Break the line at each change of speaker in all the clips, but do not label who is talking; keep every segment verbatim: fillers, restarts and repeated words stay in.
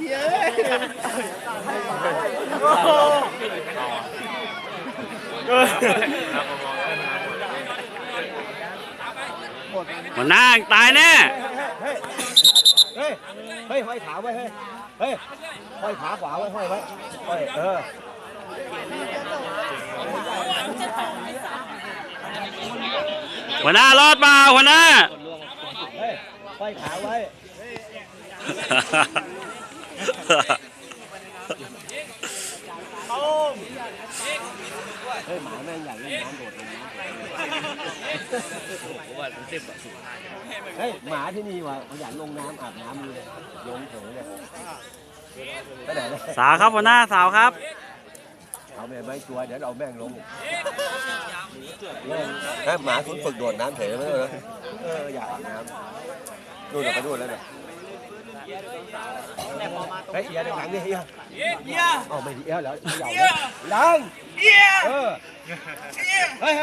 เย้
หัวหน้าตายแน่
เฮ้ยเฮ้ยห้อยขาไว้เฮ้ยเฮ้ยห้อยขาขวาไว้ห้อยไว้ห้อยเออ
หัวหน้ารอดมาหัวหน้า
เฮ้ยห้อยขาไว้เฮ้ยหมาแม่งใหญ่เล่นน้ำโดดลงน้ำเฮ้ยหมาที่นี่ว่ะมันอยากลงน้ำอาบน้ำเลยลงเถอะเลยไปไหนเลย
สาวครับหัวหน้าสาวครับ
เอาแม่ไม่ตัวเดี๋ยวเอาแม่งลงถ้าหมาคุณฝึกโดดน้ำเถอะไหมเลยเอออยากอาบน้ำดูเดี๋ยวไปดูแล้วเนี่ยเฮ้ยเอียดังหลังนี่เอียเอียอ๋อไม่เอียแล้วเอียดังเอียเออเฮ้ย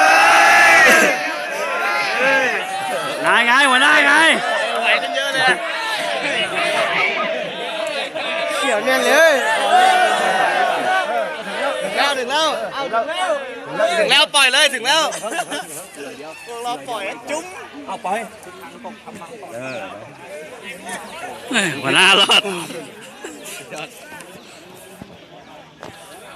ไงไงหัวหน้าไง
ไหวกันเยอะเลยเกี่ยวแน่นเลยถึงแล้วถึงแล้วเอาถึงแล้วถึงแล้วปล่อยเลยถึงแล้วเราปล่อยจุ้ม
เอาปล่อย
หัวหน้ารอด